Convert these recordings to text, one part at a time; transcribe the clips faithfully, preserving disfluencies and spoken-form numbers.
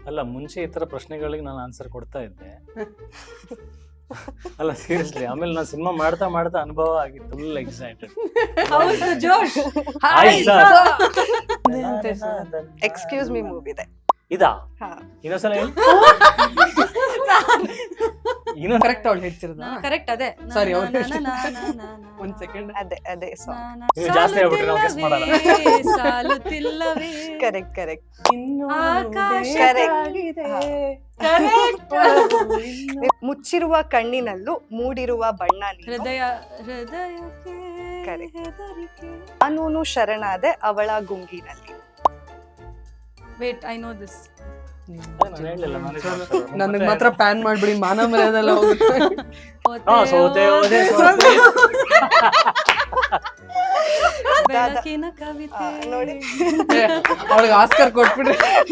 ಅಲ್ಲ ಮುಂಚೆ ಈ ತರ ಪ್ರಶ್ನೆಗಳಿಗೆ ನಾನು ಆನ್ಸರ್ ಕೊಡ್ತಾ ಇದ್ದೆ. ಅಲ್ಲ ಸೀರಿಯಸ್ಲಿ, ಆಮೇಲೆ ನಾನು ಸಿನಿಮಾ ಮಾಡ್ತಾ ಮಾಡ್ತಾ ಅನುಭವ ಆಗಿತ್ತು, ಫುಲ್ ಎಕ್ಸೈಟೆಡ್. ಹೌದು ಜೋಶ್. ಎಕ್ಸ್ಕ್ಯೂಸ್ ಮೀ ಮೂವಿ ಇದೆ. ಇದಾ ಹಾ ಇನ್ನೊಂದ್ಸಲ ಹೇಳಿ. ಕರೆಕ್ಟ್ ಅವಳು ಹೇಳ್ತಿರೋದ? ಕರೆಕ್ಟ್ ಅದೇ. Sorry, ಅವ್ರು ಒಂದ್ ಸೆಕೆಂಡ್. ಅದೇ ಅದೇ ಸಾಂಗ್. ನೀವು ಜಾಸ್ತಿ ಆಗ್ಬಿಟ್ರೆ ನಾವು ಗೆಸ್ ಮಾಡಲ್ಲ. ಸಾಲುತ್ತಿಲ್ಲವೇ ಕರೆಕ್ಟ್ ಕರೆಕ್ಟ್ ಆಕಾಶ ಮುಚ್ಚಿರುವ ಕಣ್ಣಿನಲ್ಲೂ ಮೂಡಿರುವ ಬಣ್ಣ ನೀನು. ಹೃದಯ ಹೃದಯಕ್ಕೆ Correct. ಹೆದರಿಕೆ. ಕಾನೂನು ಶರಣಾದೆ ಅವಳ ಗುಂಗಿನಲ್ಲಿ. Wait I know this. ನಾನು ಹೇಳಿಲ್ಲ, ನಾನು ನನಗ್ ಮಾತ್ರ ಪ್ಯಾನ್ ಮಾಡ್ಬಿಡಿ, ಮಾನ ಮರ್ಯಾದೆಲ್ಲ ಹೋಗುತ್ತೆ. ಹಾ ಸೋತೆ ಹೋದೆ ಸೋತೆ. ಬೆಳಕಿನ ಕವಿತೆ ಆ, ನೋಡಿ. ಅವಳಿಗೆ ಆಸ್ಕರ್ ಕೊಟ್ಬಿಡ್ರಿ.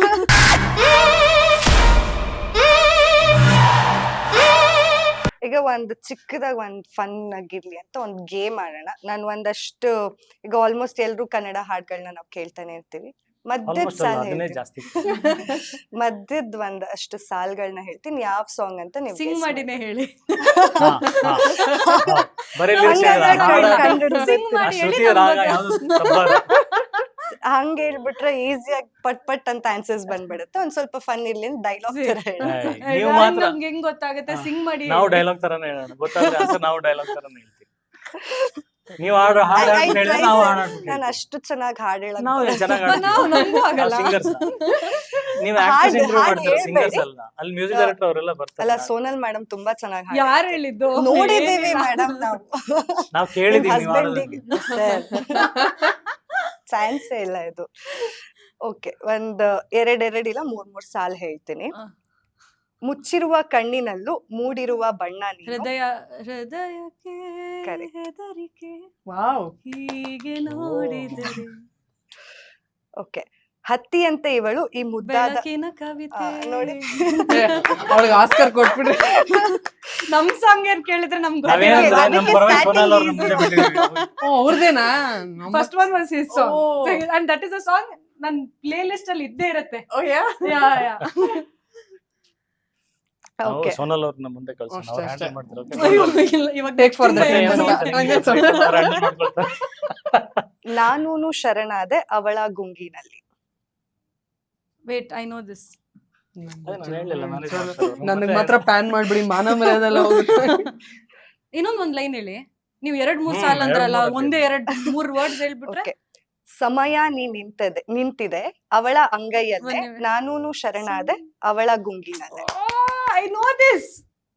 ಈಗ ಒಂದ್ ಚಿಕ್ಕದಾಗ ಒಂದ್ ಫನ್ ಆಗಿರ್ಲಿ ಅಂತ ಒಂದ್ ಗೇಮ್ ಆಡೋಣ. ನಾನು ಒಂದಷ್ಟು ಈಗ ಆಲ್ಮೋಸ್ಟ್ ಎಲ್ರು ಕನ್ನಡ ಹಾಡ್ಗಳನ್ನ ನಾವು ಕೇಳ್ತಾನೆ ಇರ್ತೀವಿ. ಮಧ್ಯದ ಆಲ್ಮೋಸ್ಟ್ ಸಾಲ್ ಅದನ್ನೇ ಹೇಳ್ತೀನಿ, ಜಾಸ್ತಿ. ಮಧ್ಯದ ಒಂದಷ್ಟು ಸಾಲ್ಗಳನ್ನ ಹೇಳ್ತೀನಿ, ಯಾವ ಸಾಂಗ್ ಅಂತ ನೀವು ಸಿಂಗ್ ಮಾಡಿನೇ ಹೇಳಿ. ಹಾ, ಹಾ. ಬರೀ lyrics ಹಂಗಾದ್ರೆ ಹೇಳಿಲ್ಲ, ಹಾಡ- ಕಣ್- ಕಂಡು Sing ಆ ಮಾಡಿ ಹೇಳಿ. ಶ್ರುತಿ ರಾಗ ಯಾವ್ದು ತಪ್ಪಲ್ಲ. ಹಂಗ ಹೇಳ್ಬಿಟ್ರೆ ಈಸಿಯಾಗಿ ಪಟ್ ಪಟ್ ಅಂತ ಆನ್ಸರ್ಸ್ ಬಂದ್ಬಿಡುತ್ತೆ. ಒಂದ್ ಸ್ವಲ್ಪ ಫನ್ ಇರ್ಲಿ ಡೈಲಾಗ್ ತರ ಹೇಳಿ. ಏಯ್, ನೀವು ಮಾತ್ರ ನಮ್ಗೆ ಹೆಂಗ್ ಗೊತ್ತಾಗುತ್ತೆ? ಸಿಂಗ್ ಮಾಡಿ ನಾವು ಡೈಲಾಗ್ ತರಾನೇ ಹೇಳೋಣ, ಗೊತ್ತಾದ್ರೆ ಆನ್ಸರ್ ನಾವು ಡೈಲಾಗ್ ತರಾನೇ ಹೇಳ್ತೀವಿ. ನೀವು ಹಾಡು ಹಾಡು I- I ಹೇಳಿದ್ರೆ try ನಾವು sir. ಹಾಡು ನಾನ್ ಹಾಡ್ಬಿಡ್ತೀವಿ. ಅಷ್ಟು ಚೆನ್ನಾಗಿ ಹಾಡ್ ಹೇಳಕ್ ನಾವು ಬರಲ್ಲ. ಚೆನ್ನಾಗಿ ನಾವು ನಮಗೂ ಆಗಲ್ಲ. ಸಿಂಗರ್ಸ್ ನೀವು ಹಾಡ್- ಆಕ್ಟರ್ಸ್ ಇಂಟರ್ವ್ಯೂ ಹಾಡ್ ಮಾಡ್ತಾರೆ, ಸಿಂಗರ್ಸ್ ಹೇಳ್ಬೇಡಿ. ಅಲ್ಲ. ಅಲ್ಲಿ ಮ್ಯೂಸಿಕ್ ಡೈರೆಕ್ಟರ್ ಅವರೆಲ್ಲ ಅಲ್ಲ ಬರ್ತಾರೆ. ಸೋನಲ್ ಮೇಡಮ್ ತುಂಬಾ ಚೆನ್ನಾಗಿ ಯಾರು ಹೇಳಿದ್ದು? ನೋಡಿದೀವಿ ಮೇಡಮ್ ನಾವು. ನಾವು ಕೇಳಿದೀವಿ ನೀವು ಹಸ್ಬೆಂಡಿಗೆ ಹಾಡೋದನ್ನ. ಚಾನ್ಸೇ ಇಲ್ಲ ಇದು. ಓಕೆ, ಒಂದ್ ಎರಡ್ ಎರಡ್ ಇಲ್ಲ ಮೂರ್ ಮೂರ್ ಸಾಲ್ ಹೇಳ್ತೀನಿ. ಹ. ಮುಚ್ಚಿರುವ ಕಣ್ಣಿನಲ್ಲೂ ಮೂಡಿರುವ ಬಣ್ಣ ನೀನು. ಹೃದಯ ಹೃದಯಕ್ಕೆ Correct. ಹೆದರಿಕೆ ವಾವ್. ಹೀಗೆ ನೋಡಿದರೆ ಓಕೆ, ಹತ್ತಿಯಂತೆ ಇವಳು ಈ ಮುದ್ದಾದ. ಬೆಳಕಿನ ಕವಿತೆ. ಆ, ನೋಡಿ. ಅವಳಿಗೆ ಆಸ್ಕರ್ ಕೊಟ್ಬಿಡ್ರಿ. ನಮ್ ಸಾಂಗ್ ಏನ್ ಕೇಳಿದ್ರೆ ನಮ್ಗೆ ನಾವೇನಂದ್ರೆ ಅದಕ್ಕೆ ನಮ್ಮ ಪರವಾಗಿ starting ಸೋನಾಲ್ ಅವ್ರನ್ನ easy. ಮುಂದೆ ಬಿಟ್ಟಿದ್ದೀವಿ. ಓ ಅವ್ರದೇನಾ? First one was his song Oh. And that is a song ನನ್ ಪ್ಲೇ ಲಿಸ್ಟ್ ಅಲ್ಲಿ ಇದ್ದೇ ಇರುತ್ತೆ. ಯಾ ಯಾ ನಾವು ಓಕೆ, ಸೋನಾಲ್ ಅವ್ರನ್ನ ಮುಂದೆ ಕಳ್ಸೋಣ, ಅಷ್ಟೇ, ಅವ್ರು ಅಷ್ಟೇ. ಹ್ಯಾಂಡಲ್ ಮಾಡ್ತಾರೆ. okay? ಅಯ್ಯೋ, ಇಲ್ಲ, ಇವಾಗ Take for the ತುಂಬಾ team. ಏನು ಮತ್ತೆ ಗೊತ್ತಿಲ್ಲ. ಏನು ಹಂಗೆ ಅವ್ರು handle ಮಾಡ್ಕೊಳ್ತಾರೆ. ನಾನೂನು ಶರಣಾದೆ ಅವಳ ಗುಂಗಿನಲ್ಲಿ. Wait I know this. ಅದೇ ನಾನು ಹೇಳಿಲ್ಲ, ನಾನೇ ಹೇಳ್ತಾರೆ. ನನಗ್ ಮಾತ್ರ ಪ್ಯಾನ್ ಮಾಡ್ಬಿಡಿ, ಮಾನ ಮರ್ಯಾದೆಲ್ಲ ಹೋಗುತ್ತೆ. ಇನ್ನೊಂದ್ ಒಂದ್ ಲೈನ್ ಹೇಳಿ. ನೀವು ಎರಡ್ ಮೂರ್ ಹ್ಮ್, ಸಾಲ್ ಎರಡ್ ಅಂದ್ರಲ್ಲ, ಮೂರ್ ಒಂದೇ ಎರಡ್ ಮೂರ್ ವರ್ಡ್ಸ್ ಹೇಳ್ಬಿಟ್ರೆ. ಓಕೆ, ಸಮಯ ನೀ ನಿಂತದೆ ನಿಂತಿದೆ ಅವಳ ಅಂಗೈಯಲ್ಲೇ, ಒಂದ್ ನಿಮಿಷ. ನಾನೂನು ಶರಣಾದೆ ಅವಳ ಗುಂಗಿನಲ್ಲೇ. I know this.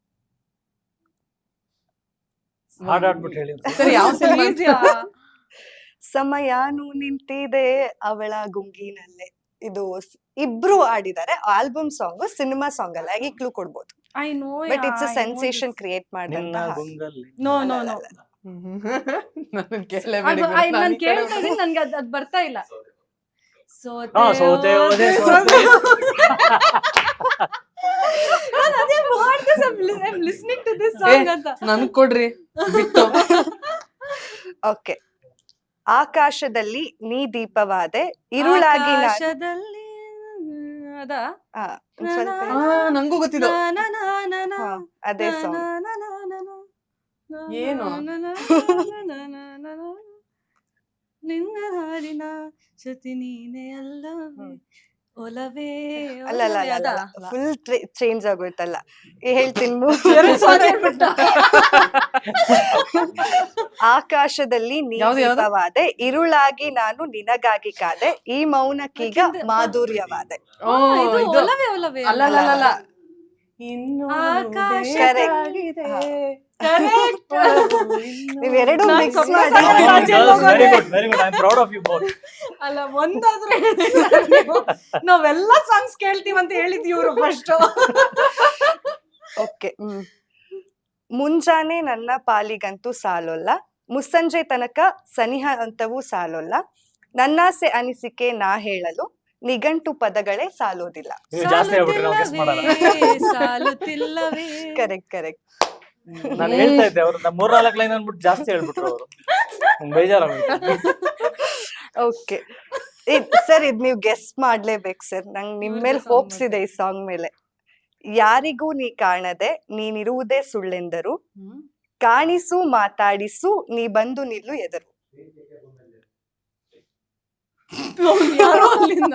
ಹಾಡ್ ಹಾಡ್ಬಿಟ್ಟು ಹೇಳಿ. ಸರಿ, ಯಾವ ಸಿನಿಮಾ? ಸಮಯಾನು ನಿಂತಿದೆ ಅವಳ ಗುಂಗಿನಲ್ಲೇ. ಇದು ಸ್- ಇಬ್ರು ಆಡಿದ್ದಾರೆ. ಆಲ್ಬಮ್ ಸಾಂಗ್, ಸಿನಿಮಾ ಸಾಂಗ್ ಅಲ್ಲ, ಈಗ ಕ್ಲೂ ಕೊಡ್ಬೋದು. I know. But it's a sensation create ಮಾಡಿದಂತ ನಿನ್ನ ಹಾಡು. ಗುಂಗಲ್ಲಿ ನೋ ನೋ ನೋ. ನನಗ್ ಕೇಳಲೇಬೇಡಿ. ನಾನು ಕೇಳ್ತಾ ಇದೀನಿ, ನನ್ಗೆ ಅದ್ ಅದ್ ಬರ್ತಾ ಇಲ್ಲ. ಹಾ ಸೋತೆ ಹೋದೆ ಸೋತೆ. ನಾನು ಅದೇ ಮಾಡ್ದೆ, I am listening to this song ಅಂತ. ನನ್ಗ್ ಕೊಡ್ರಿ ಬಿಟ್ಟು. ಓಕೆ, ಆಕಾಶದಲ್ಲಿ ನೀ ದೀಪವಾದೆ ಇರುಳಾಗಿ ನಾ- ಆಕಾಶದಲ್ಲಿ ಅದ ಆ, ಒಂದ್ ಸ್ವಲ್ಪ ಆ, ನಂಗೂ ಗೊತ್ತಿದ್ದು. ಹಾ, ಅದೇ ಸಾಂಗ್. ಏನು? ನಿನ್ನ ಹಾಡಿನ ಶ್ರುತಿ ನೀನೆ ಅಲ್ಲವೇ ಒಲವೇ ಅಲ್ಲ ಅಲ್ಲ ಒಲವೇ, ಅಲ್ಲ ಅದಾ? ಫುಲ್ ಚೇಂಜ್ ಆಗೋಯ್ತಲ್ಲ. ಈ ಹೇಳ್ತೀನಿ ಎರಡು ಸಾಂಗ್ ಹೇಳ್ಬಿಟ್ಟ. ಆಕಾಶದಲ್ಲಿ ನೀ ಯಾವ್ದು, ಯಾವ್ದು? ದೀಪವಾದೆ ಇರುಳಾಗಿ ನಾನು ನಿನಗಾಗಿ ಕಾದೆ, ಈ ಮೌನಕ್ಕೀಗ ಯಾಕೆಂದ್ರೆ- ಮಾಧುರ್ಯವಾದೆ. ಓ, ಇದು ಇದು ಒಲವೇ ಒಲವೇ ಅಲ್ಲ ಅಲ್ಲ ಅಲ್ಲ, ಅಲ್ಲ. ಇನ್ನು ಆಕಾಶ Correct. ಹಾ. Correct. ನೀವೆರಡು ನಾನ್ ಮಿಕ್ಸ್ ಸ್ವಲ್ಪ ಮಾಡಿ. ಸಣ್ಣ ರಾಜ್ಯ very good very good I am proud of you both. ಅಲ್ಲ ಒಂದಾದ್ರೂ ಹೇಳಿಲ್ಲ ನೀವು. ನಾವೆಲ್ಲ ಸಾಂಗ್ಸ್ ಕೇಳ್ತೀವಿ ಅಂತ ಹೇಳಿದ್ವಿ ಇವ್ರು ಫಸ್ಟ್. ಓಕೆ, ಹ್ಮ್. ಮುಂಜಾನೆ ನನ್ನ ಪಾಲಿಗಂತೂ ಸಾಲೊಲ್ಲ, ಮುಸ್ಸಂಜೆ ತನಕ ಸನಿಹ ಅಂತವೂ ಸಾಲೊಲ್ಲ, ನನ್ನಾಸೆ ಅನಿಸಿಕೆ ನಾ ಹೇಳಲು ನಿಘಂಟು ಪದಗಳೇ ಸಾಲೋದಿಲ್ಲ. ನೀವು ಜಾಸ್ತಿ ಹೇಳ್ಬಿಟ್ರೆ ನಾವು ಗೆಸ್ ಮಾಡಲ್ಲ. ಸಾಲುತ್ತಿಲ್ಲವೇ. Correct correct. ನಾನು ಹೇಳ್ತಾ ಇದ್ದೆ, ಅವ್ರು ನಮ್ಮ ಮೂರ್ನಾಲ್ಕು ಲೈನ್ ಅಂದ್ಬಿಟ್ಟು ಜಾಸ್ತಿ ಹೇಳ್ಬಿಟ್ರು ಅವರು. ಬೇಜಾರಾಗೋಯ್ತು. ಓಕೆ, ಸರ್ ಇದ್ ನೀವು ಗೆಸ್ ಮಾಡ್ಲೇಬೇಕು ಸರ್. ನಂಗೆ ನಿಮ್ ಇವ್ರ್ದೇ ಮೇಲೆ song ಹೋಪ್ಸ್ ಮತ್ತೆ. ಇದೆ ಈ ಸಾಂಗ್ ಮೇಲೆ. ಯಾರಿಗೂ ನೀ ಕಾಣದೆ ನೀನಿರುವುದೇ ಸುಳ್ಳೆಂದರು, ಕಾಣಿಸು ಮಾತಾಡಿಸು ನೀ ಬಂದು ನಿಲ್ಲು ಎದರು. ಯಾರೋ ಅಲ್ಲಿಂದ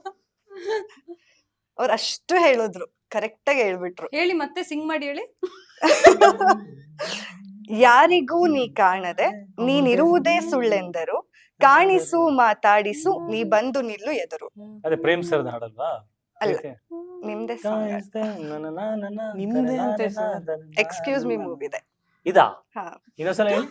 ಅವ್ರು ಅಷ್ಟು ಹೇಳಿದ್ರು, ಕರೆಕ್ಟ್ ಆಗಿ ಹೇಳ್ಬಿಟ್ರು. ಹೇಳಿ ಮತ್ತೆ ಸಿಂಗ್ ಮಾಡಿ ಹೇಳಿ. ಯಾರಿಗೂ ನೀ ಕಾಣದೆ ನೀನಿರುವುದೇ ಸುಳ್ಳೆಂದರು, ಕಾಣಿಸು ಮಾತಾಡಿಸು ನೀ ಬಂದು ನಿಲ್ಲು ಎದರು. ಅದೇ ಪ್ರೇಮ್ ಸರ್ ಹಾಡಲ್ವಾ? ಅಲ್ಲ, ನಿಮ್ದೇ ಸಾಂಗ್. ನಿಮ್ದೇ ಅಂತೆ sir. Excuse me ಮೂವಿದೆ. ಇದಾ? ಹಾ. ಇನ್ನೊಂದ್ಸಲ ಹೇಳಿ.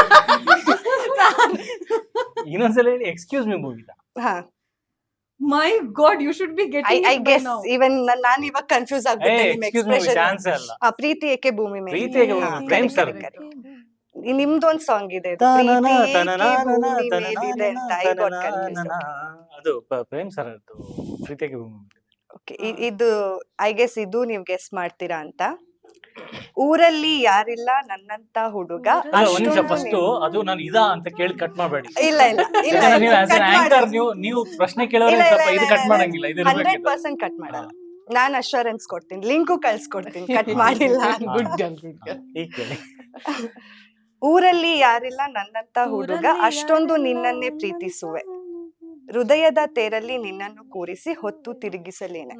ಇನ್ನೊಂದ್ಸಲ ಹೇಳಿ. ಎಕ್ಸ್ಕ್ಯೂಸ್ ಮಿ ಮೂವಿ ಇದಾ? ಹಾ. My god, you should be I getting I guess even ನಾನ್ ಇವಾಗ ಕನ್ಫ್ಯೂಸ್ ಏ ಆಗ್ಬಿಟ್ಟೆ ನಿಮ್ ಎಕ್ಸ್ಕ್ಯೂಸ್ ಮಿ ಎಕ್ಸ್ಪ್ರೆಷನ್. ಚಾನ್ಸ್ ಅಲ್ಲ. ಆ ಪ್ರೀತಿ ಏಕೆ ಭೂಮಿ ಮೇಲೆ. ಪ್ರೀತಿ ಏಕೆ ಭೂಮಿ ಹಾ, ಮೇಲೆ, Prem correct, sir. correct, correct. ಈ ನಿಮ್ದೊಂದ್ ಸಾಂಗ್ ಇದೆ ಇದು, ತನನ, ಪ್ರೀತಿ ಏಕೆ ತನನ, ಭೂಮಿ ತನನ, ಮೇಲಿದೆ ಅಂತ. I got confuse. ತನನ. ಅದು ಪ- ಪ್ರೇಮ್ ಸರ್ ಅದು ಪ್ರೀತಿಗೆ ಭೂಮಿ ಮೇಲೆ. ಓಕೆ, ಇದು ಐ ಗೆಸ್ ಇದು ನೀವ್ ಗೆಸ್ ಮಾಡ್ತೀರಾ ಅಂತ. ಊರಲ್ಲಿ ಯಾರಿಲ್ಲ ನನ್ನಂತ ಹುಡುಗ. ಅಲ್ಲ ಒಂದ್ ನಿಮಿಷ, ಅಷ್ಟೊಂದು ಫಸ್ಟ್ ನೀವು- ಅದು ನಾನು ಇದಾ ಅಂತ ಕೇಳಿ ಕಟ್ ಮಾಡಬೇಡಿ. ಇಲ್ಲ ಇಲ್ಲ ಇಲ್ಲ ಯಾಕಂದ್ರೆ ನೀವು ಆಸ್ cut ಆಂಕರ್ ಮಾಡಲ್ಲ. ನೀವು ನೀವು ಪ್ರಶ್ನೆ ಕೇಳೋರು ಇಲ್ಲ, ಇಲ್ಲ, ಸ್ವಲ್ಪ ಇದು ಇಲ್ಲ, ಕಟ್ ಇಲ್ಲ. ಮಾಡಂಗಿಲ್ಲ. ಇದು ಹಂಡ್ರೆಡ್ ಇರ್ಬೇಕಿತ್ತು. ಪರ್ಸೆಂಟ್ ಕಟ್ ಮಾಡಲ್ಲ. ನಾನ್ ಅಶ್ಯೂರೆನ್ಸ್ ಕೊಡ್ತೀನಿ, ಲಿಂಕು ಕಳ್ಸ್ಕೊಡ್ತೀನಿ, ಕಟ್ ಮಾಡಿಲ್ಲ ಅಂತ. Good girl good girl. ಈಗ ಕೇಳಿ. ಊರಲ್ಲಿ ಯಾರಿಲ್ಲ ನನ್ನಂತ ಹುಡುಗ, ಊರಲ್ಲಿ ಅಷ್ಟೊಂದು ಯಾರಿಲ್ಲ ನಿನ್ನನ್ನೇ ಪ್ರೀತಿಸುವೆ, ಹೃದಯದ ತೇರಲ್ಲಿ ನಿನ್ನನ್ನು ಕೂರಿಸಿ ಹೊತ್ತು ತಿರುಗಿಸಲೇನೆ.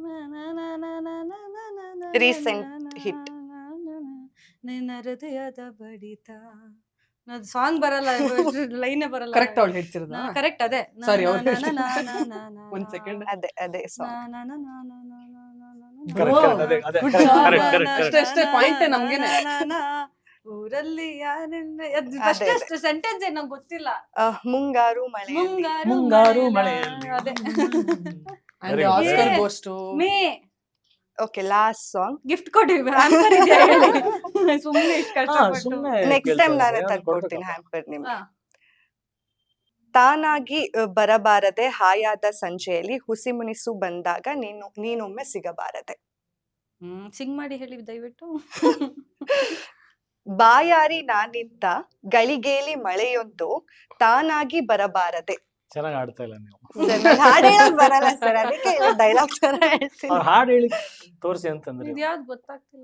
Recent hit. ನಿನ್ನ ಹೃದಯದ ಬಡಿತ. ಸಾಂಗ್ ಬರಲ್ಲ, ಲೈನೇ ಬರಲ್ಲ. ಕರೆಕ್ಟ್ ಅವ್ಳು ಹೇಳ್ತಿರೋದಾ? ಕರೆಕ್ಟ್ ಅದೇ. Sorry, ನಾ- ಅವ್ಳು ನಾ- ಹೇಳ್ತಿರೋದು. ನಾ- ನಾ- ನಾ- ನಾ- ಒಂದ್ second. ಅದೇ ಅದೇ ಸಾಂಗ್. ನಾ- ನಾ- ನಾ- ನಾ- ನಾ- ನಾ- ನಾ- ನಾ- ನಾ- ನಾ- Correct, correct, ಅದೇ, ಅದೇ, Good correct, job. correct, correct, ನಾ- correct. ಅಷ್ಟೇ, ಅಷ್ಟೇ, point ನಾ- ನಮ್ಗೇನೆ. ನಾ- ನಾ- ಊರಲ್ಲಿ ಯಾರಿಲ್ಲ. ಅದ್ ಅದೇ, first ಅದೇ. ಅಷ್ಟು ಸೆಂಟೆನ್ಸ್ ಏನ್ ನಂಗೆ ಗೊತ್ತಿಲ್ಲ. ಅಹ್, ಮುಂಗಾರು ಮಳೆ. ಮುಂಗಾರು ಮುಂಗಾರು ಮಳೆಯಲ್ಲಿ. ಮಳೆಯಲ್ಲಿ. ಅದೇ. And Very good. Oscar Yeah. Goes to me okay, last song. Gift ಕೊಡಿ. ಹ್ಯಾಂಪರ್ ಇದೆಯಾ ಹೇಳಿ. ಸುಮ್ನೆ ಇಷ್ಟ್ ಹಾ, ಕಷ್ಟಪಟ್ಟು. ಸುಮ್ನೆ ನೆಕ್ಸ್ಟ್ ಕೇಳ್ತಾ ಟೈಮ್ ನಾನೇ ಇದ್ದಾರೆ. ತಂದ್ಕೊಡ್ತೀನಿ ಕೊಡ್ಬೇಕಪ್ಪ. ಹ್ಯಾಂಪರ್ ನಿಮ್ಗೆ. ಹಾ. ತಾನಾಗಿ ಅ, ಬರಬಾರದೆ ಹಾಯಾದ ಸಂಜೆಯಲ್ಲಿ ಹುಸಿ ಮುನಿಸು ಬಂದಾಗ ನೀನು ನೀನೊಮ್ಮೆ ಸಿಗಬಾರದೆ. ಹ್ಮ್ ಸಿಂಗ್ ಮಾಡಿ ಹೇಳಿ ದಯವಿಟ್ಟು. ಬಾಯಾರಿ ನಾನಿಂತ ಗಳಿಗೇಲಿ ಮಳೆಯೊಂದು ತಾನಾಗಿ ಬರಬಾರದೆ. ಚೆನ್ನಾಗಿ ಆಡ್ತಾ ಇಲ್ಲ ನೀವು. ಸರ್, ನಂಗ್ ಹಾಡ್ ಹೇಳಕ್ ಬರಲ್ಲ ಸರ್, ಅದಕ್ಕೆ ಡೈಲಾಗ್ ತರ ಹೇಳ್ತೀನಿ. ಅವ್ರು ಹಾಡು ಹೇಳಿ ತೋರಿಸಿ ಅಂತಂದ್ರೆ ಇದ್ಯಾವ್ದು ಗೊತ್ತಾಗ್ತಿಲ್ಲ.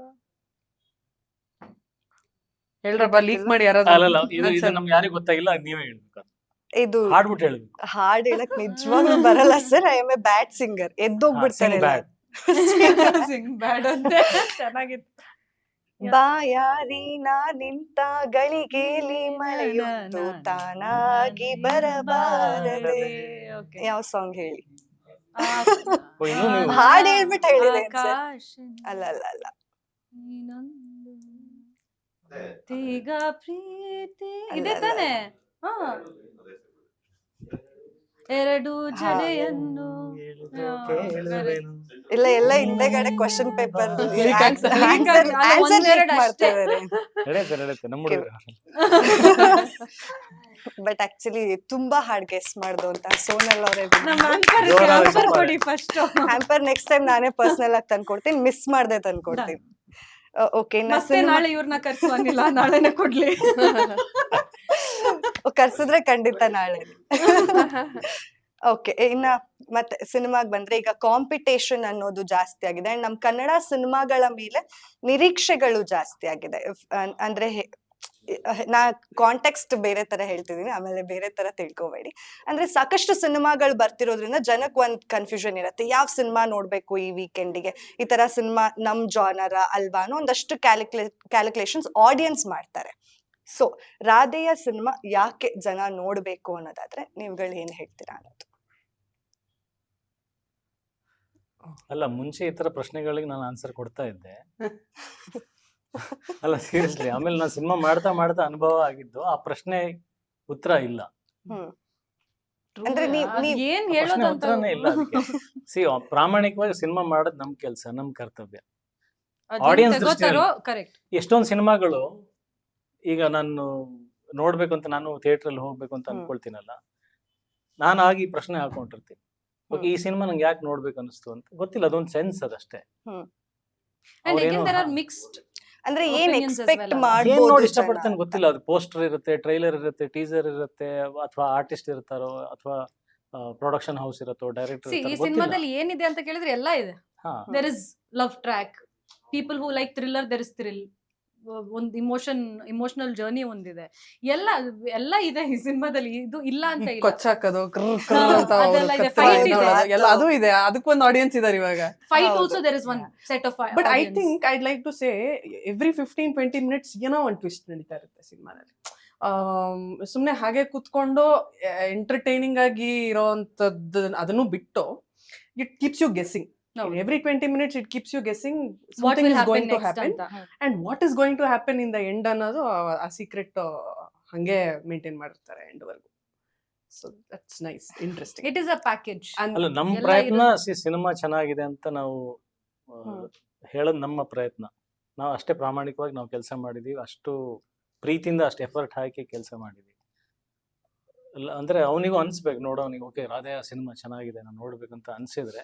ಹೇಳ್ರಪ್ಪ, ಲೀಕ್ ಮಾಡಿ ಅಲ್ಲಲ್ಲ, ಯಾರಾದ್ರೂ. ಇದು ಇದು ನಮ್ಗೆ ಯಾರಿಗೂ ಗೊತ್ತಾಗಿಲ್ಲ, ಅದ್ ನೀವೇ ಹೇಳ್ಬೇಕು. ಇದು ಹಾಡ್ಬಿಟ್ಟು ಹೇಳ್ಬೇಕು. ಹಾಡ್ ಹೇಳಕ್ ನಿಜವಾಗ್ಲೂ ಬರಲ್ಲ ಸರ್. I am a bad singer. ಎದ್ದೋಗ್ಬಿಡ್ತಾರೆ sing bad. ಸಿಂಗ್ ಬ್ಯಾಡ್ ಅಂತೆ. ಚೆನ್ನಾಗಿತ್ತು. ಬಾಯಾರಿ ನಾನಿಂತ ಗಳಿಗೇಲಿ ಮಳೆಯೊಂದು ತಾನಾಗಿ ಬರಬಾರದೆ. Okay. ಯಾವ ಸಾಂಗ್ ಹೇಳಿ? ಓ, ಇನ್ನೂ ನೀವು ಹಾಡ್ ಹೇಳ್ಬಿಟ್ಟು ಹೇಳಿದೆ ಸರ್. ಆಕಾಶ ಅಲ್ಲ ಅಲ್ಲ ಅಲ್ಲ ನೀನೊಂದು ಈಗ ಪ್ರೀತಿ ಅಲ್ಲ, ಇದೆ ಅಲ್ಲ, ತಾನೆ. ಹಾ, ಎರಡು ಜಡೆಯನ್ನು ಕೇಳುವೆನು. ಇಲ್ಲ ಎಲ್ಲ ಹಿಂದೆಗಡೆ ಕ್ವಶನ್ ಪೇಪರ್ Leak ಆಗ್ತದೆ. ಒಂದೆರಡು ಅಷ್ಟೇ. ನಡೆಯುತ್ತೆ ನಡೆಯುತ್ತೆ ನಮ್ಮ ಹುಡುಗರು. ಬಟ್ ಆಕ್ಚುಲಿ ತುಂಬಾ ಹಾಡ್ ಗೆಸ್ ಮಾಡ್ದು ಅಂತ ಸೋನಲ್ ಅವರೇ. ನಮ್ಮ ಆಂಕರ್ ಜೋರಾಗಿ ಆನ್ಸರ್ ಚಪ್ಪಾಳೆ. ಕೊಡಿ ಫಸ್ಟ್. ಹ್ಯಾಂಪರ್ ನೆಕ್ಸ್ಟ್ ಟೈಮ್ ನಾನೇ ಪರ್ಸನಲ್ ಆಗಿ ತಂದ್ಕೊಡ್ತೀನಿ, ಮಿಸ್ ಮಾಡ್ದೆ ತಂದ್ಕೊಡ್ತೀನಿ. ಓಕೆ, ಮತ್ತೆ ನಾಳೆ ಇವ್ರನ್ನ ಕರ್ಸುವಂಗಿಲ್ಲ, ನಾಳೆನೆ ಕೊಡ್ಲಿ. ಕರ್ಸಿದ್ರೆ ಖಂಡಿತ ನಾಳೆ. ಓಕೆ, ಇನ್ನ ಮತ್ತೆ ಸಿನಿಮಾಗ್ ಬಂದ್ರೆ ಈಗ ಕಾಂಪಿಟೇಷನ್ ಅನ್ನೋದು ಜಾಸ್ತಿ ಆಗಿದೆ ಅಂಡ್ ನಮ್ ಕನ್ನಡ ಸಿನಿಮಾಗಳ ಮೇಲೆ ನಿರೀಕ್ಷೆಗಳು ಜಾಸ್ತಿ ಆಗಿದೆ. ಇಫ್- ಅನ್- ಅಂದ್ರೆ ಹೆ- ನಾ ಕಾಂಟೆಕ್ಸ್ಟ್ ಬೇರೆ ತರ ಹೇಳ್ತಿದೀನಿ, ಆಮೇಲೆ ಬೇರೆ ತರ ತಿಳ್ಕೊಬೇಡಿ. ಅಂದ್ರೆ ಸಾಕಷ್ಟು ಸಿನಿಮಾಗಳು ಬರ್ತಿರೋದ್ರಿಂದ ಜನಕ್ ಒಂದ್ ಕನ್ಫ್ಯೂಷನ್ ಇರುತ್ತೆ, ಯಾವ ಸಿನಿಮಾ ನೋಡ್ಬೇಕು ಈ ವೀಕೆಂಡಿಗೆ, ಈ ತರ ಸಿನಿಮಾ ನಮ್ ಜಾನರ ಅಲ್ವಾ ಅನ್ನೋ ಒಂದಷ್ಟು ಕ್ಯಾಲ್ಕುಲೇ ಕ್ಯಾಲ್ಕುಲೇಷನ್ಸ್ ಆಡಿಯನ್ಸ್ ಮಾಡ್ತಾರೆ. ಸೊ ರಾಧೆಯ ಸಿನಿಮಾ ಯಾಕೆ ಜನ ನೋಡ್ಬೇಕು ಅನ್ನೋದಾದ್ರೆ ನೀವುಗಳು ಏನ್ ಹೇಳ್ತೀರಾ ಅನ್ನೋದು. ಅಲ್ಲ, ಮುಂಚೆ ಈ ತರ ಪ್ರಶ್ನೆಗಳಿಗೆ ನಾನು ಆನ್ಸರ್ ಕೊಡ್ತಾ ಇದ್ದೆ. ಅಲ್ಲ ಸೀರಿಯಸ್ಲಿ, ಆಮೇಲೆ ನಾನು ಸಿನಿಮಾ ಮಾಡ್ತಾ ಮಾಡ್ತಾ ಅನುಭವ ಆಗಿದ್ದು, ಆ ಪ್ರಶ್ನೆ ಉತ್ತರ ಇಲ್ಲ. ಹ್ಮ್ ಅಂದ್ರೆ ನೀವ್ ಅದ್ ನೀವ್ ಏನ್ ಪ್ರಶ್ನೆ ಹೇಳೋದು ಅಂತ ಉತ್ತರನೇ ಇಲ್ಲ ಅದಕ್ಕೆ. ಸಿ ಪ್ರಾಮಾಣಿಕವಾಗಿ ಸಿನಿಮಾ ಮಾಡೋದು ನಮ್ ಕೆಲಸ, ನಮ್ ಕರ್ತವ್ಯ. ಅದೇನ್ audience ತಗೋತಾರೋ ಕರೆಕ್ಟ್. ಎಷ್ಟೊಂದು ಸಿನಿಮಾಗಳು ಈಗ ನಾನು ನೋಡ್ಬೇಕು ಅಂತ ನಾನು ಥಿಯೇಟರ್ ಅಲ್ಲಿ ಹೋಗ್ಬೇಕು ಅಂತ ಹ್ಮ್. ಅನ್ಕೊಳ್ತೀನಲ್ಲ, ನಾನು ಆಗಿ ಈ ಪ್ರಶ್ನೆ ಹಾಕೊಂಡಿರ್ತೀನಿ. ಓಕೆ, ಈ ಸಿನಿಮಾ ನಂಗೆ ಯಾಕೆ ನೋಡ್ಬೇಕು ಅನಿಸ್ತು ಅಂತ ಗೊತ್ತಿಲ್ಲ, ಅದೊಂದು ಸೆನ್ಸ್ ಅದಷ್ಟೇ. ಹ್ಮ್ And ಅವ್ರೇನೋ again there are ಹಾ. mixed ಅಂದ್ರೆ ಏನ್ Opinions as ಎಕ್ಸ್ಪೆಕ್ಟ್ well. ಏನ್ ಮಾಡ್ಬೋದು ನೋಡಿ ಜನ ಇಷ್ಟಪಡ್ತಾನೆ ಅಂತ. ಗೊತ್ತಿಲ್ಲ. ಅದು ಪೋಸ್ಟರ್ ಇರುತ್ತೆ, ಟ್ರೈಲರ್ ಇರುತ್ತೆ, ಟೀಸರ್ ಇರುತ್ತೆ, ಅಥವಾ ಆರ್ಟಿಸ್ಟ್ ಇರ್ತಾರೋ, ಅಥವಾ ಪ್ರೊಡಕ್ಷನ್ ಹೌಸ್ ಇರುತ್ತೋ ಡೈರೆಕ್ಟರ್ See, ಈ ಸಿನಿಮಾದಲ್ಲಿ ಏನಿದೆ ಅಂತ ಕೇಳಿದ್ರೆ ಎಲ್ಲ ಇದೆ. ಹಾ there is love track, people who like thriller, there is thrill, ಒಂದು ಇಮೋಷನ್ ಇಮೋಷನಲ್ ಜರ್ನಿ ಒಂದಿದೆ, ಎಲ್ಲ ಎಲ್ಲ ಇದೆ ಈ ಸಿನಿಮಾದಲ್ಲಿ, ಇದು ಇಲ್ಲ ಅಂತ ಇಲ್ಲ. ಕೊಚ್ಚಾಕೋದು ಹಾ, ಅದೆಲ್ಲ ಇದೆ, fight ಇದೆ. ಎಲ್ಲ ಅದು ಇದೆ, ಅದಕ್ಕೊಂದು ಆಡಿಯನ್ಸ್ ಇದಾರೆ ಇವಾಗ. ಫೈಟ್ ಹೌದು. Also there is one set of. But I think I'd like to say every fifteen twenty minutes ಏನೋ ಒಂದು ಟ್ವಿಸ್ಟ್ ನಡೀತಾ ಇರುತ್ತೆ ಸಿನಿಮಾದಲ್ಲಿ. ಸುಮ್ಮನೆ ಹಾಗೆ ಕೂತ್ಕೊಂಡು ಎಂಟರ್ಟೈನಿಂಗ್ ಆಗಿ ಇರೋಂಥದ್ದು ಅದನ್ನು ಬಿಟ್ಟು it keeps you guessing. Every twenty minutes it keeps you guessing what something will is going happen to next happen ಅಂತ. and what is going to happen in the end ಅನ್ನೋದು ಆ- ಆ ಸೀಕ್ರೆಟ್ ಹಂಗೆ maintain ಮಾಡಿರ್ತಾರೆ end ವರ್ಗು. So that's nice, interesting. It is a package. ಅಲ್ಲ ನಮ್ಮ ಎಲ್ಲ ಪ್ರಯತ್ನ ಇರೋದು. ಸಿನಿಮಾ ಚೆನ್ನಾಗಿದೆ ಅಂತ ನಾವು ಆ, ಹ್ಮ್. ಹೇಳೋದು ನಮ್ಮ ಪ್ರಯತ್ನ. ನಾವು ಅಷ್ಟೇ ಪ್ರಾಮಾಣಿಕವಾಗಿ ನಾವು ಕೆಲಸ ಮಾಡಿದೀವಿ, ಅಷ್ಟು ಪ್ರೀತಿಯಿಂದ ಅಷ್ಟು ಎಫರ್ಟ್ ಹಾಕಿ ಕೆಲಸ ಮಾಡಿದೀವಿ. ಅಲ್ಲ ಅಂದ್ರೆ ಅವನಿಗೂ ಅನ್ಸ್ಬೇಕು, ನೋಡೋನಿಗೆ ಓಕೆ ರಾಧೆಯ ಸಿನಿಮಾ ಚೆನ್ನಾಗಿದೆ ನಾನು ನೋಡ್ಬೇಕಂತ ಅನ್ಸಿದ್ರೆ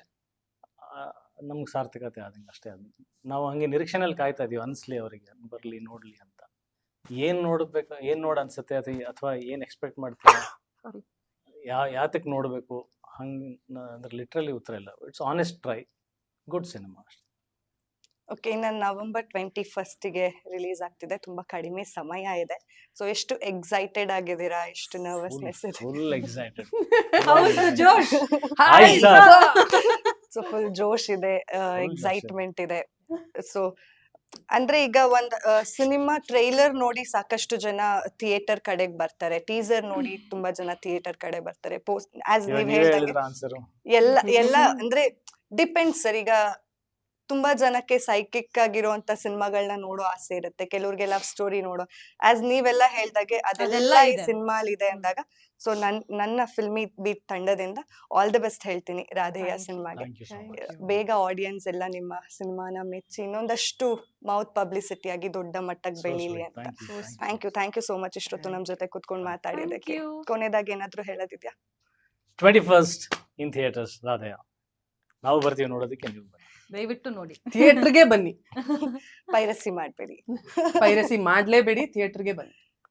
ನಮ್ಗೆ ಸಾರ್ಥಕತೆ ಆದಂಗೆ ಅಷ್ಟೇ. ಅದು ನಾವು ಹಂಗೆ ನಿರೀಕ್ಷೆನಲ್ಲಿ ಕಾಯ್ತಾ ಇದೀವಿ, ಅನ್ಸ್ಲಿ ಅವರಿಗೆ ಬರ್ಲಿ ನೋಡ್ಲಿ ಅಂತ. ಏನ್ ನೋಡ್ಬೇಕು, ಏನ್ ನೋಡ್ ಅನ್ಸುತ್ತೆ ಅಥವಾ ಅಥವಾ ಏನ್ ಎಕ್ಸ್ಪೆಕ್ಟ್ ಮಾಡ್ತೀರಾ, Sorry. ಯಾ ಯಾತಕ್ ನೋಡ್ಬೇಕು ಹಂಗ್ ನ- ಅಂದ್ರೆ ಲಿಟ್ರಲಿ ಉತ್ತರ ಇಲ್ಲ. It's honest try, good cinema ಅಷ್ಟೇ. ಓಕೆ, ಇನ್ನು ನವೆಂಬರ್ ಟ್ವೆಂಟಿ ಫಸ್ಟಿಗೆ ರಿಲೀಸ್ ಆಗ್ತಿದೆ, ತುಂಬಾ ಕಡಿಮೆ ಸಮಯ ಇದೆ. ಸೊ ಎಷ್ಟು ಎಕ್ಸೈಟೆಡ್ ಆಗಿದ್ದೀರಾ, ಎಷ್ಟು ನರ್ವಸ್ನೆಸ್ ಇದೆ? Full excited. ಹೌದು, ಜೋಶ್. Hi, sir. ಸೊ ಫುಲ್ ಜೋಶ್ ಇದೆ, ಜೋಶ್ ಎಕ್ಸೈಟ್ಮೆಂಟ್ ಇದೆ. ಸೊ ಅಂದ್ರೆ ಈಗ ಒಂದ್ ಸಿನಿಮಾ ಟ್ರೈಲರ್ ನೋಡಿ ಸಾಕಷ್ಟು ಜನ ಥಿಯೇಟರ್ ಕಡೆಗೆ ಬರ್ತಾರೆ, ಟೀಸರ್ ನೋಡಿ ತುಂಬಾ ಜನ ಥಿಯೇಟರ್ ಕಡೆ ಬರ್ತಾರೆ. ಪೋಸ್ಟ್ ಆಸ್ ಇವಾಗ ನೀವ್ ನೀವೇ ಹೇಳ್ದಂಗೆ ಹೇಳಿದ್ರ ಆನ್ಸರ್. ಎಲ್ಲ ಎಲ್ಲ ಅಂದ್ರೆ ಡಿಪೆಂಡ್ಸ್ ಸರ್. ಈಗ ತುಂಬಾ ಜನಕ್ಕೆ ಸೈಕಿಕ್ ಆಗಿರುವಂತ ಸಿನಿಮಾಗಳನ್ನ ನೋಡೋ ಆಸೆ ಇರುತ್ತೆ, ಕೆಲವ್ರಿಗೆ ಲವ್ ಸ್ಟೋರಿ ನೋಡೋ. ಆಸ್ ನೀವೆಲ್ಲ ಹೇಳ್ದಾಗೆ ಅದೆಲ್ಲ ಅದೆಲ್ಲ ಈ ಇದೆ. ಸಿನಿಮಾಲ್ ಇದೆ ಅಂದಾಗ, ಸೊ ನನ್ ನನ್ನ ಫಿಲ್ಮಿ ಬೀಟ್ ತಂಡದಿಂದ ಆಲ್ ದ ಬೆಸ್ಟ್ ಹೇಳ್ತೀನಿ ರಾಧೆಯ Thank you. ಸಿನಿಮಾಗೆ. Thank you so Thank much. you. ಬೇಗ ಆಡಿಯನ್ಸ್ ಎಲ್ಲ ನಿಮ್ಮ ಸಿನಿಮಾನ ಮೆಚ್ಚಿ ಇನ್ನೊಂದಷ್ಟು ಮೌತ್ ಪಬ್ಲಿಸಿಟಿ ಆಗಿ ದೊಡ್ಡ ಮಟ್ಟಕ್ಕೆ ಬೆಳೀಲಿ ಅಂತ. Thank you, thank you so much ಇಷ್ಟೊತ್ತು ನಮ್ ಜೊತೆ ಕುತ್ಕೊಂಡು Thank ಮಾತಾಡಿದಕ್ಕೆ. you. ಕೊನೆದಾಗಿ ಏನಾದ್ರು ಹೇಳೋದಿದ್ಯಾ? Twenty first in theatres Radheya. ನಾವು ಬರ್ತೀವಿ ನೋಡೋದಕ್ಕೆ, ನೀವು ಬನ್ನಿ. ದಯವಿಟ್ಟು ನೋಡಿ. ಥಿಯೇಟರ್ಗೆ ಬನ್ನಿ, ಪೈರಸಿ ಮಾಡ್ಬೇಡಿ. ಪೈರಸಿ ಮಾಡ್ಲೇಬೇಡಿ, ಥಿಯೇಟರ್ಗೆ ಬನ್ನಿ.